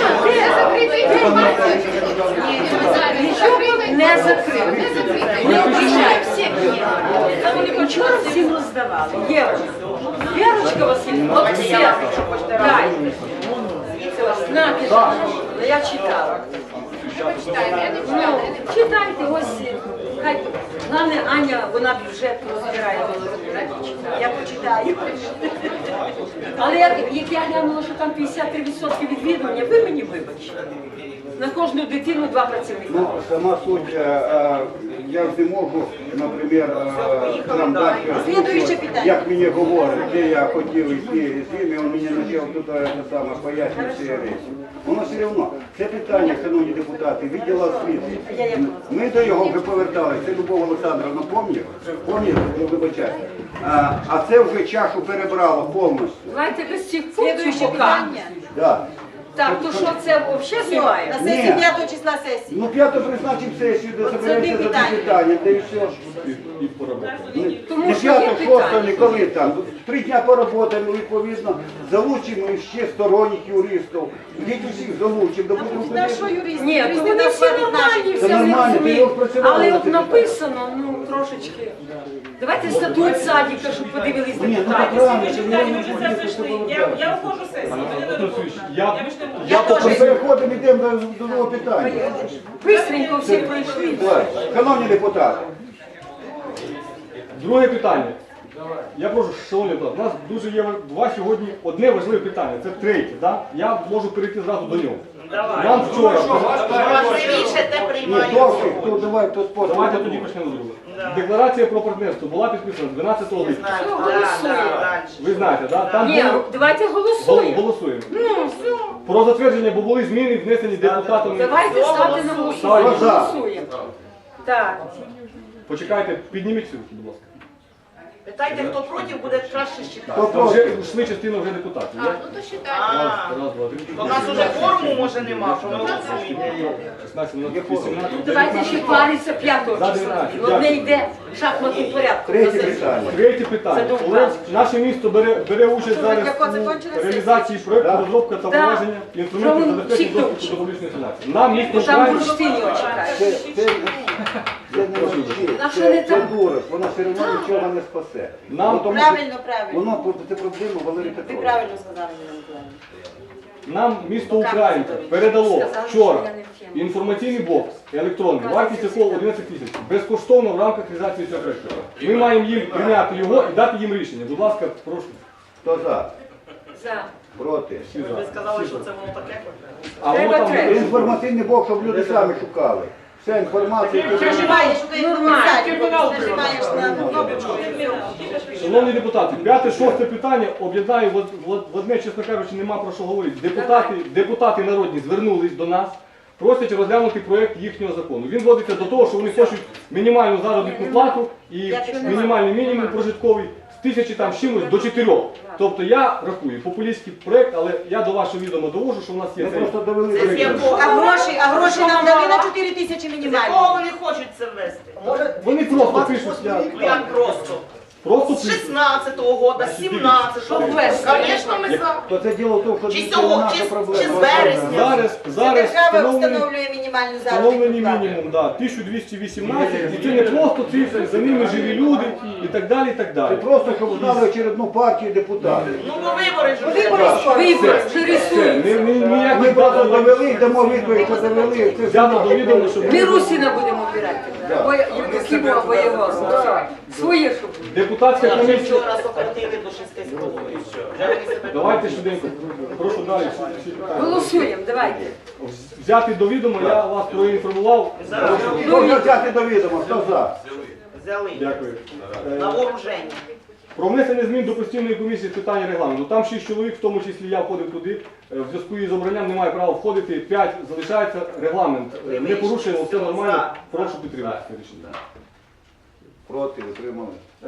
[SPEAKER 1] нічого не закрили. Не обіцяю всіх. Вчора всім роздавали. Вірочка Васильівна, от всі. Дайте. Знаєте, я читала. Ну, читайте, ось, хай, головне, Аня, вона бюджет розбирає, я почитаю. Але як я глянула, що там 53% відвідування, ви мені вибачте. На кожну дитину 2 працівники.
[SPEAKER 3] Ну, сама суть, я ж не можу, наприклад, нам дати,
[SPEAKER 8] Слідуюче питання.
[SPEAKER 3] як мені говорить, де я хотів йти з ними, він мені почав тут пояснювати ці речі. Воно все одно, це питання, шановні депутати, відділу освіти. Ми до його вже поверталися, це Любов Олександровна, пам'ятаєте, вибачайте. А це вже чашу перебрало повністю.
[SPEAKER 1] Давайте без цих пунктів
[SPEAKER 8] Слідуюче
[SPEAKER 1] поки.
[SPEAKER 8] питання.
[SPEAKER 3] Да.
[SPEAKER 1] Так, то що це взагалі знімає?
[SPEAKER 8] На сесії 5 числа сесії.
[SPEAKER 3] Ну, 5 призначимо сесію, де
[SPEAKER 8] От це
[SPEAKER 3] заберемося за
[SPEAKER 8] питання.
[SPEAKER 3] це питання, де і все.
[SPEAKER 2] І поработати.
[SPEAKER 1] Тому
[SPEAKER 3] Не
[SPEAKER 1] що є
[SPEAKER 3] 5, 6,
[SPEAKER 1] питання.
[SPEAKER 3] не коли там. 3 дня поработаємо, відповідно, залучимо ще сторонніх юристів. Геть усіх залучимо, да будемо
[SPEAKER 8] Та що юристи?
[SPEAKER 1] Ні, то
[SPEAKER 8] Юристи
[SPEAKER 1] вони
[SPEAKER 8] нас
[SPEAKER 1] всі
[SPEAKER 8] платять
[SPEAKER 1] нормальні,
[SPEAKER 8] наші.
[SPEAKER 1] все
[SPEAKER 3] Це
[SPEAKER 1] вони
[SPEAKER 3] нормально, ти його
[SPEAKER 1] розуміють.
[SPEAKER 3] працювала
[SPEAKER 1] Але
[SPEAKER 3] на
[SPEAKER 1] от
[SPEAKER 3] це
[SPEAKER 1] написано, ну, трошечки. Давайте статут садика, щоб подивились
[SPEAKER 3] Ні, ну
[SPEAKER 1] депутати.
[SPEAKER 3] так правильно,
[SPEAKER 7] Ви
[SPEAKER 3] це
[SPEAKER 7] ж вже це прийшли. Я ухожу з сесії. Мене не
[SPEAKER 2] Олексійович,
[SPEAKER 7] роботи.
[SPEAKER 2] я-
[SPEAKER 7] більше не буду.
[SPEAKER 2] я
[SPEAKER 3] Ми
[SPEAKER 2] попросив-
[SPEAKER 3] переходимо, йдемо до нового питання.
[SPEAKER 1] Бистренько всі пройшли.
[SPEAKER 3] Так, шановні депутати,
[SPEAKER 2] Друге питання. Я прошу, шановні депутати, у нас дуже є два сьогодні одне важливе питання, це третє, да? Я можу перейти зразу до нього. Нам вчора...
[SPEAKER 5] Важливіше те
[SPEAKER 3] Ні,
[SPEAKER 5] приймаємо.
[SPEAKER 3] хто давай, тут потім.
[SPEAKER 2] Давайте тоді почнемо з другого. Декларація про партнерство була підписана 12 липня. Ви знаєте, да? Там
[SPEAKER 1] Ні,
[SPEAKER 2] було...
[SPEAKER 1] давайте голосуємо.
[SPEAKER 2] Голосуємо.
[SPEAKER 1] Ну, все.
[SPEAKER 2] Про затвердження, бо були зміни, внесені депутатами.
[SPEAKER 1] Давайте ставте на голосування.
[SPEAKER 2] Хто за?
[SPEAKER 1] Голосуємо. Так.
[SPEAKER 2] Почекайте, підніміть руки, будь ласка.
[SPEAKER 5] Питайте, хто проти, буде краще считати.
[SPEAKER 2] Там вже йшли частина вже депутатів. є?
[SPEAKER 5] Ну то считайте.
[SPEAKER 2] Раз, два, три.
[SPEAKER 5] У нас уже форму може нема, що ми голосуємо.
[SPEAKER 2] 16, 18.
[SPEAKER 1] Давайте ще париться 5
[SPEAKER 2] За
[SPEAKER 1] числа.
[SPEAKER 2] 19.
[SPEAKER 1] Одне йде в шахматному порядку.
[SPEAKER 3] Третє питання.
[SPEAKER 2] Третє питання.
[SPEAKER 1] Це
[SPEAKER 2] Олег, наше місто бере участь зараз у реалізації проєкту
[SPEAKER 3] Да.
[SPEAKER 2] розробка та
[SPEAKER 1] Да.
[SPEAKER 2] введення інструментів
[SPEAKER 1] Що ви
[SPEAKER 2] забезпечення
[SPEAKER 1] всіх
[SPEAKER 2] доступу
[SPEAKER 1] навчили?
[SPEAKER 2] до публічної інформації. Нам місто
[SPEAKER 1] Там
[SPEAKER 2] Україна...
[SPEAKER 1] бурштин його чекає.
[SPEAKER 3] Це не навчи,
[SPEAKER 1] А що не
[SPEAKER 3] це
[SPEAKER 1] так?
[SPEAKER 3] дурак, вона все одно нічого не спасе.
[SPEAKER 2] Нам-
[SPEAKER 3] Ну, тому що
[SPEAKER 8] Правильно.
[SPEAKER 3] Воно це проблема Валерій
[SPEAKER 8] Ви
[SPEAKER 3] Петрович.
[SPEAKER 8] правильно сказали, Ніна Миколаївна.
[SPEAKER 2] Нам місто Українка передало вчора інформаційний бокс електронний, вартість якого 11 тисяч, безкоштовно в рамках реалізації цього проєкту. Ми маємо їм прийняти його і дати їм рішення. Будь ласка, прошу.
[SPEAKER 3] Хто за?
[SPEAKER 1] За.
[SPEAKER 3] Проти?
[SPEAKER 2] Всі за.
[SPEAKER 5] Ви сказали, що це воно таке?
[SPEAKER 2] А воно
[SPEAKER 1] Треба
[SPEAKER 2] там
[SPEAKER 1] треба.
[SPEAKER 2] буде.
[SPEAKER 3] Інформаційний бок, щоб люди самі шукали. Вся інформація, яка
[SPEAKER 8] Нажимаєш, що ти
[SPEAKER 1] Нормально.
[SPEAKER 8] нажимаєш на кнопочку.
[SPEAKER 2] Шановні депутати, 5-6 питання об'єднаю в одне, чесно кажучи, нема про що говорити. Депутати народні звернулись до нас, просять розглянути проєкт їхнього закону. Він зводиться до того, що вони хочуть мінімальну заробітну плату і мінімальний мінімум прожитковий з 1000 там з чимось до 4. Тобто я рахую популістський проєкт, але я до вашого відома довожу, що у нас є
[SPEAKER 3] ми
[SPEAKER 2] цей.
[SPEAKER 3] просто довели
[SPEAKER 5] Це з
[SPEAKER 3] до
[SPEAKER 5] якого?
[SPEAKER 8] А гроші нам дали на 4 тисячі
[SPEAKER 5] З
[SPEAKER 8] мінімально.
[SPEAKER 5] якого вони хочуть це ввести?
[SPEAKER 2] Вони просто пишуть,
[SPEAKER 5] Ну як просто?
[SPEAKER 2] просто
[SPEAKER 5] З
[SPEAKER 2] пишуть.
[SPEAKER 5] 16-го года, з 17-го. Звісно, ми за.
[SPEAKER 3] То це діло в тому, що
[SPEAKER 5] Чи
[SPEAKER 3] це
[SPEAKER 5] цього,
[SPEAKER 3] наша
[SPEAKER 5] чи з
[SPEAKER 3] проблема.
[SPEAKER 5] вересня?
[SPEAKER 2] Зараз встановлений
[SPEAKER 8] мінімальну
[SPEAKER 2] встановлений мінімум, да, 1218, і це не просто цифри, за ними живі люди і так далі, і так
[SPEAKER 3] Це
[SPEAKER 2] далі.
[SPEAKER 3] просто, щоб знали очередну партію депутатів.
[SPEAKER 5] Ну бо вибори ж.
[SPEAKER 1] Вибори вже
[SPEAKER 2] Все,
[SPEAKER 1] рисуються.
[SPEAKER 3] Ми
[SPEAKER 2] ніяких
[SPEAKER 3] просто
[SPEAKER 2] дат
[SPEAKER 3] довели, дамо відповідь, що довели. Це
[SPEAKER 2] взято до відома, щоб
[SPEAKER 1] Ми Русіна будемо обирати. Або Євдокимова, або його. Своє, щоб.
[SPEAKER 2] депутатська
[SPEAKER 5] Вже
[SPEAKER 2] комісія.
[SPEAKER 5] вчора сократили до 6,5. Вже вони себе
[SPEAKER 2] Давайте швиденько, прошу далі всі питання.
[SPEAKER 1] Голосуємо, давайте.
[SPEAKER 2] Взяти до відома, я вас проінформував.
[SPEAKER 3] Хто взяти до відома, хто за?
[SPEAKER 5] взяли
[SPEAKER 2] Дякую.
[SPEAKER 5] на вооруження.
[SPEAKER 2] Про внесення змін до постійної комісії з питань регламенту. Там 6 чоловік, в тому числі я входив туди. В зв'язку із обранням немає права входити. 5 залишається. Регламент не порушуємо, все нормально. Прошу підтримати це рішення.
[SPEAKER 3] Проти, утримали.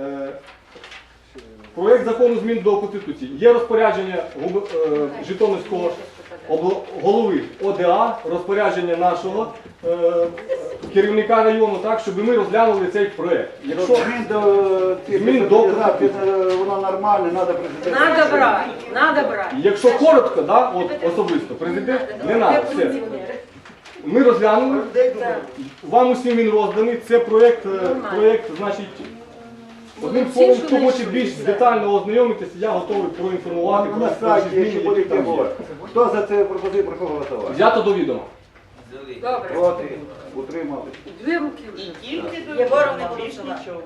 [SPEAKER 2] Проєкт закону змін до Конституції. Є розпорядження Житомирського голови ОДА, розпорядження нашого керівника району, так, щоб ми розглянули цей проєкт. Якщо
[SPEAKER 3] Змін до воно нормальне, треба президент.
[SPEAKER 1] Надо брати.
[SPEAKER 2] Якщо коротко, да, от особисто, президент не треба, все. Ми розглянули, вам усім він розданий, це проєкт, значить, одним словом, хто хоче більш детально ознайомитися, я готовий проінформувати
[SPEAKER 3] На
[SPEAKER 2] про
[SPEAKER 3] сайті,
[SPEAKER 2] зміни,
[SPEAKER 3] якщо
[SPEAKER 2] які
[SPEAKER 3] будете
[SPEAKER 2] там є.
[SPEAKER 3] говорити. Хто за це пропозицію, прошу голосувати?
[SPEAKER 2] Взято до відома.
[SPEAKER 1] Добре.
[SPEAKER 3] Проти, утримали.
[SPEAKER 1] Дві руки вже.
[SPEAKER 5] Тільки до
[SPEAKER 8] Єгоров не
[SPEAKER 5] більш
[SPEAKER 8] голосував.
[SPEAKER 5] нічого.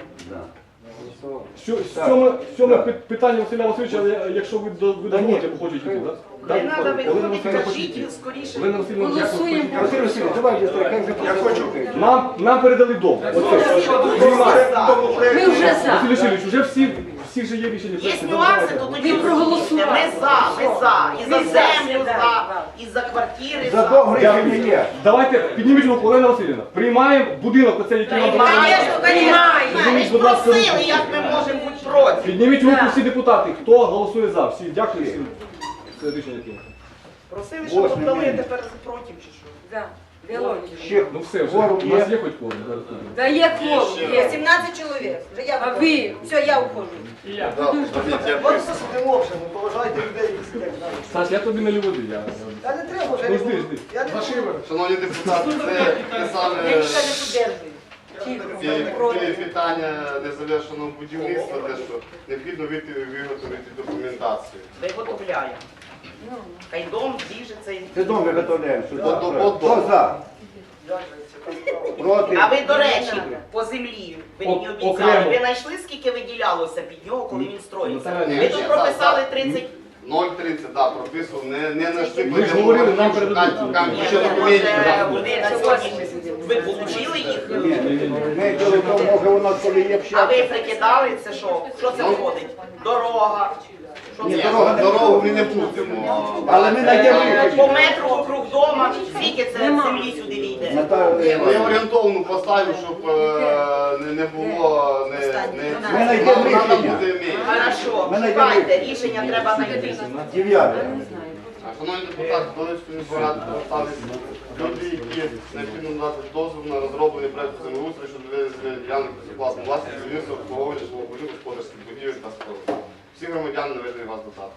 [SPEAKER 2] Сьоме питання Василя Васильовича, але якщо ви дозволите, бо хочете йти, так?
[SPEAKER 5] Не треба
[SPEAKER 2] Олена
[SPEAKER 5] виходити,
[SPEAKER 2] Васильівна хоче йти.
[SPEAKER 5] кажіть скоріше.
[SPEAKER 2] Олена Васильівна, дякую.
[SPEAKER 1] Голосуємо.
[SPEAKER 3] Василь Васильович, давайте, як
[SPEAKER 2] Нам передали дом. Оце.
[SPEAKER 1] Ми вже за.
[SPEAKER 2] Василь Васильович, вже всі ж є рішення.
[SPEAKER 5] Є нюанси, то тоді
[SPEAKER 1] проголосували.
[SPEAKER 5] ми за. І за землю за, і за квартири
[SPEAKER 3] За дом рішення є.
[SPEAKER 2] Давайте підніміть руку, Олена Васильівна. Приймаємо будинок, оцей, який нам
[SPEAKER 5] Приймаємо,
[SPEAKER 2] пропонує.
[SPEAKER 5] Ми ж просили, як ми можемо бути проти.
[SPEAKER 2] Підніміть руку всі депутати. Хто голосує за? Всі. Дякую всім. Це рішення прийнято.
[SPEAKER 5] Просили, щоб
[SPEAKER 3] Восьмий
[SPEAKER 5] віддали,
[SPEAKER 3] день.
[SPEAKER 5] тепер проти чи що?
[SPEAKER 1] Да. Біологія.
[SPEAKER 3] Ще
[SPEAKER 2] Ну все, вже.
[SPEAKER 3] Форум
[SPEAKER 2] У нас
[SPEAKER 3] є.
[SPEAKER 2] є хоч кого? Зараз подивимось.
[SPEAKER 1] Да є кворум, є.
[SPEAKER 8] 17 чоловік. Вже я
[SPEAKER 1] А
[SPEAKER 8] виходжу.
[SPEAKER 1] ви?
[SPEAKER 8] Все, я уходжу.
[SPEAKER 10] От все сидимо вже, ну поважайте людей, які сидять.
[SPEAKER 2] Саш, я тобі налю води.
[SPEAKER 10] Та не треба вже.
[SPEAKER 2] Ну жди, жди.
[SPEAKER 10] Я не буду.
[SPEAKER 13] Шановні депутати, це те саме
[SPEAKER 1] Ніхто не подержує.
[SPEAKER 13] ті питання незавершеного будівництва, те, що необхідно виготовити документацію.
[SPEAKER 5] Виготовляємо. Хай дом двіжиться і...
[SPEAKER 3] Це дом виготовляємо сюди.
[SPEAKER 13] От
[SPEAKER 3] Хто за? Проти.
[SPEAKER 5] А ви, до речі, по землі, ви мені обіцяли,
[SPEAKER 2] окремо.
[SPEAKER 5] ви знайшли, скільки виділялося під нього, коли він строївся?
[SPEAKER 13] Ні,
[SPEAKER 5] Ви тут
[SPEAKER 13] ні,
[SPEAKER 5] прописали
[SPEAKER 13] так,
[SPEAKER 5] 30...
[SPEAKER 13] 0,30, так, прописував, не знайшли.
[SPEAKER 2] Ви ж говорили, нам передадуть.
[SPEAKER 5] Ні,
[SPEAKER 13] Ще
[SPEAKER 5] ну,
[SPEAKER 13] документів.
[SPEAKER 5] може, вони на сьогодні, ви отримали їх?
[SPEAKER 3] Ми діло в тому, може у нас коли є
[SPEAKER 5] А ви
[SPEAKER 3] общак.
[SPEAKER 5] прикидали, це що? Що це входить? Дорога? Що
[SPEAKER 3] Ні,
[SPEAKER 5] це?
[SPEAKER 3] дорога не
[SPEAKER 13] Дорогу ми не будемо.
[SPEAKER 3] Але ми знайдемо
[SPEAKER 5] По
[SPEAKER 3] рішення.
[SPEAKER 5] метру округ дома, скільки це землі сюди війде?
[SPEAKER 3] Наталя,
[SPEAKER 13] Я орієнтовно поставив, щоб не було...
[SPEAKER 3] Ми знайдемо рішення.
[SPEAKER 5] Хорошо,
[SPEAKER 3] Ми знайдемо
[SPEAKER 5] шукайте, рішення треба знайти.
[SPEAKER 3] 9.
[SPEAKER 13] Шановні депутати, Долинської міської ради поставились люди, які необхідно надати дозвіл на розроблення проєкту землеустрою щодо ведення ділянок безоплатної власності, будівництва, обслуговування житлових господарських будівель та споруд. Всі громадяни наведені вас додати.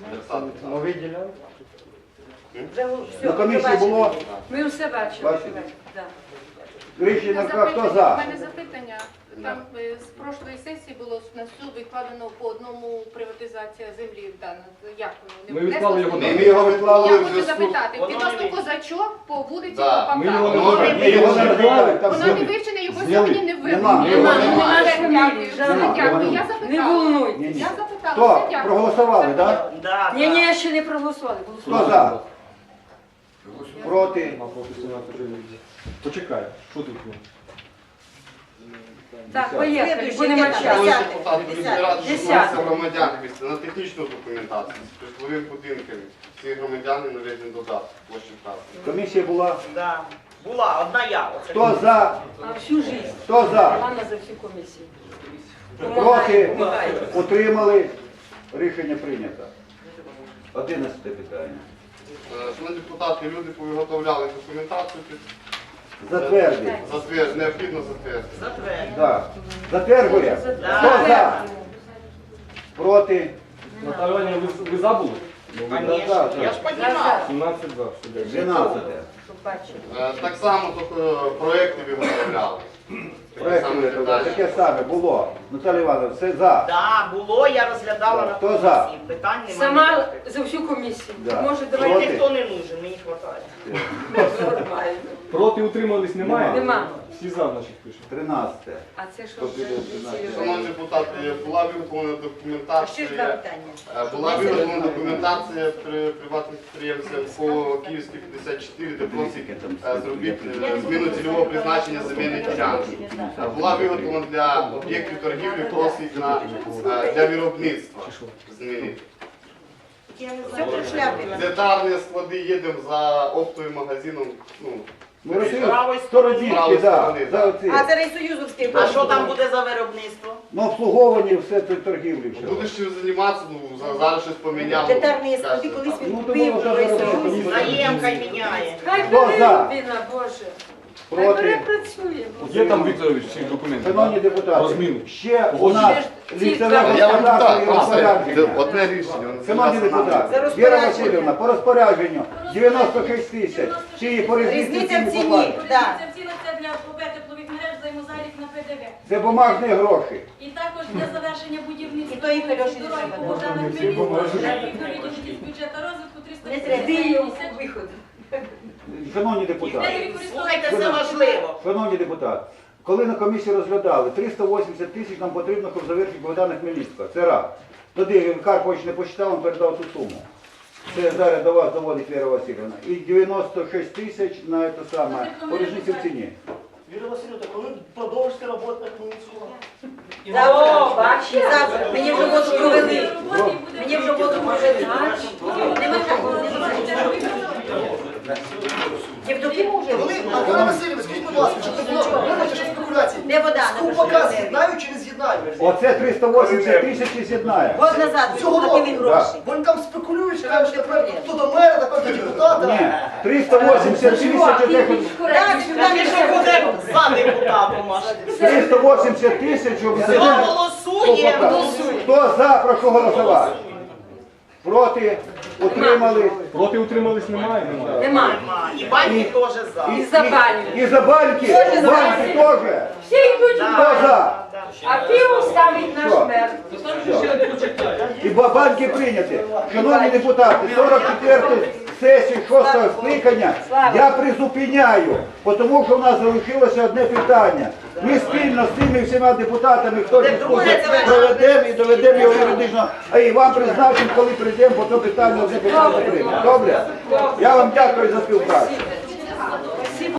[SPEAKER 3] На комісії було
[SPEAKER 1] Ми все бачили.
[SPEAKER 3] Бачили?
[SPEAKER 1] Да.
[SPEAKER 3] рішення, хто за?
[SPEAKER 14] У мене запитання. Там з прошлої сесії було на суд відкладено по одному приватизація землі дана. Як воно?
[SPEAKER 2] Ми відклали його
[SPEAKER 3] Ми його відклали
[SPEAKER 14] Я
[SPEAKER 3] в
[SPEAKER 14] хочу
[SPEAKER 3] зв'язку.
[SPEAKER 14] запитати, відносно козачок по вулиці
[SPEAKER 13] Да,
[SPEAKER 2] ми його не
[SPEAKER 14] Попака.
[SPEAKER 2] розглядаємо.
[SPEAKER 3] Ми його не розглядаємо, там
[SPEAKER 14] Воно не
[SPEAKER 3] зняли.
[SPEAKER 14] вивчене, його
[SPEAKER 3] Зняли.
[SPEAKER 14] сьогодні не
[SPEAKER 3] Нема.
[SPEAKER 14] вивчено.
[SPEAKER 3] Нема.
[SPEAKER 14] Дякую.
[SPEAKER 3] Нема.
[SPEAKER 14] Дякую. Я
[SPEAKER 1] Не
[SPEAKER 14] запитала.
[SPEAKER 1] волнуйтесь.
[SPEAKER 3] Ні, ні.
[SPEAKER 14] Я запитала.
[SPEAKER 3] Хто?
[SPEAKER 14] Все, дякую.
[SPEAKER 3] Проголосували, так?
[SPEAKER 5] Да,
[SPEAKER 1] Ні, ні, ще не проголосували.
[SPEAKER 3] Хто за? Проти?
[SPEAKER 2] Почекай, що тут?
[SPEAKER 1] Так, поїхали, будемо
[SPEAKER 13] Шановні
[SPEAKER 1] часу.
[SPEAKER 13] депутати, розбирати, що
[SPEAKER 1] Десятий.
[SPEAKER 13] вноситься громадян на технічну документацію з житловими будинками. Всі громадяни наведені додати площі вказані.
[SPEAKER 3] Комісія була.
[SPEAKER 5] Да. Була, одна я. Оце.
[SPEAKER 3] Хто за?
[SPEAKER 1] А всю жизнь.
[SPEAKER 3] Хто за?
[SPEAKER 1] Ладно за всю комісію.
[SPEAKER 3] Проти? Утримали? Рішення прийнято. 11 питання.
[SPEAKER 13] Шановні депутати, люди повиготовляли документацію під
[SPEAKER 3] Затвердити.
[SPEAKER 13] необхідно затвердити.
[SPEAKER 5] Затвердь.
[SPEAKER 3] Так. Затверджує? Хто за? Проти?
[SPEAKER 2] Наталя Іванівна, ви забули?
[SPEAKER 5] Конечно, я ж піднімав.
[SPEAKER 2] 17-2.
[SPEAKER 3] 12.
[SPEAKER 1] Щоб бачили.
[SPEAKER 13] Так само тільки проєкти виготовляли.
[SPEAKER 3] Проект виготовляли. Таке саме було. Наталя Івановна, все за.
[SPEAKER 5] Да, було, я розглядала на
[SPEAKER 3] Хто
[SPEAKER 5] комісії.
[SPEAKER 3] за?
[SPEAKER 5] Питань немає.
[SPEAKER 1] Сама за всю комісію.
[SPEAKER 3] Да.
[SPEAKER 1] Може,
[SPEAKER 5] Мені
[SPEAKER 1] давайте
[SPEAKER 5] ніхто не нужен, мені хватає.
[SPEAKER 1] нормально.
[SPEAKER 2] Проти утримались немає?
[SPEAKER 1] Нема.
[SPEAKER 2] Всі за, значить, пишемо.
[SPEAKER 3] 13.
[SPEAKER 1] А це що?
[SPEAKER 3] Хто піде 13?
[SPEAKER 13] Шановні депутати, була виготовлена документація. Була виготовлена документація при приватних підприємцях по Київській 54, де просить зробити зміну цільового призначення земельної ділянки. Була виготовлена для об'єктів торгівлі, просить для виробництва змінити. Детальні склади їдемо за оптовим магазином.
[SPEAKER 3] Ми розуміємо, Стородівки, да, за оці.
[SPEAKER 5] це Рейсоюзовський. А що там буде за виробництво?
[SPEAKER 3] Ну, обслуговування, все це торгівлі. Все.
[SPEAKER 13] Будеш чим займатися, зараз щось поміняв.
[SPEAKER 5] Детальні
[SPEAKER 13] склади
[SPEAKER 5] колись
[SPEAKER 3] Ну, то було вже виробництво.
[SPEAKER 5] Наєм хай міняє.
[SPEAKER 1] Хай
[SPEAKER 3] Хто
[SPEAKER 1] бере
[SPEAKER 3] за?
[SPEAKER 1] людина, Боже. Хай
[SPEAKER 3] Проти?
[SPEAKER 1] бере працює.
[SPEAKER 2] Є там, Вікторович, ці документи?
[SPEAKER 3] Шановні депутати,
[SPEAKER 2] Розміну.
[SPEAKER 3] ще у нас лісове
[SPEAKER 13] Я вам
[SPEAKER 3] господарство і
[SPEAKER 13] так,
[SPEAKER 3] розпорядження.
[SPEAKER 13] одне рішення.
[SPEAKER 3] Шановні депутати, Віра Васильівна, по розпорядженню 96 тисяч. Чи по різниці ціні поплати?
[SPEAKER 6] Це ціна це для ПП теплових мереж, взаємозалік на ПДВ.
[SPEAKER 3] Це бумажні гроші.
[SPEAKER 6] І також для завершення будівництва.
[SPEAKER 5] І то їх Альоші не
[SPEAKER 6] дороги
[SPEAKER 5] треба.
[SPEAKER 6] по Богдана Хмельницького, відповідні з бюджету розвитку
[SPEAKER 1] Не треба. Де є
[SPEAKER 6] 350.
[SPEAKER 1] виход?
[SPEAKER 3] Шановні депутати,
[SPEAKER 5] Слухайте, це важливо.
[SPEAKER 3] шановні депутати, коли на комісії розглядали, 380 тисяч нам потрібно, щоб завершити Богдана Хмельницького. Це раз. Тоді Карпович не посчитав, він передав ту суму. Це зараз до вас доводить Віра Васильівна. І 96 тисяч на це саме, по різниці в ціні.
[SPEAKER 10] Віра Васильівна, коли продовжите роботу на Хмельницького?
[SPEAKER 1] О, бачите?
[SPEAKER 5] Мені вже воду провели.
[SPEAKER 6] Мені вже воду провели.
[SPEAKER 5] Євдокиму вже
[SPEAKER 10] Коли, Віра Васильівна, скажіть, будь ласка, щоб не було вибачте, що спекуляції.
[SPEAKER 5] Не вода.
[SPEAKER 10] Скупака з'єднають чи не з'єднають?
[SPEAKER 3] Оце 380 тисяч і з'єднає.
[SPEAKER 5] Год назад
[SPEAKER 10] Цього
[SPEAKER 5] платили
[SPEAKER 10] року.
[SPEAKER 5] гроші.
[SPEAKER 10] Вони там спекулюють, кажуть, наприклад, хто до мера, напевно, до депутата.
[SPEAKER 3] Ні, 380 тисяч, оце
[SPEAKER 5] Так, що буде за депутатом аж.
[SPEAKER 3] 380 тисяч, щоб
[SPEAKER 5] Все, голосуємо.
[SPEAKER 3] Хто за, прошу голосувати. Проти, утримали.
[SPEAKER 2] Проти утримались немає?
[SPEAKER 1] Нема.
[SPEAKER 5] І банки теж за.
[SPEAKER 1] І за баню.
[SPEAKER 3] І за банки, банки теж.
[SPEAKER 1] Всі йдуть в
[SPEAKER 3] Хто
[SPEAKER 1] баню.
[SPEAKER 3] за?
[SPEAKER 1] А пиво ставить наш
[SPEAKER 3] Що?
[SPEAKER 1] мер.
[SPEAKER 3] І банки прийняті. Шановні депутати, сесію 6-го скликання я призупиняю, тому що в нас залишилося одне питання. Ми спільно з цими всіма депутатами, хто дискусію проведемо і доведемо його юридично, а і вам призначимо, коли прийдемо, бо то питання одне питання прийме. Добре? Я вам дякую за співпрацю.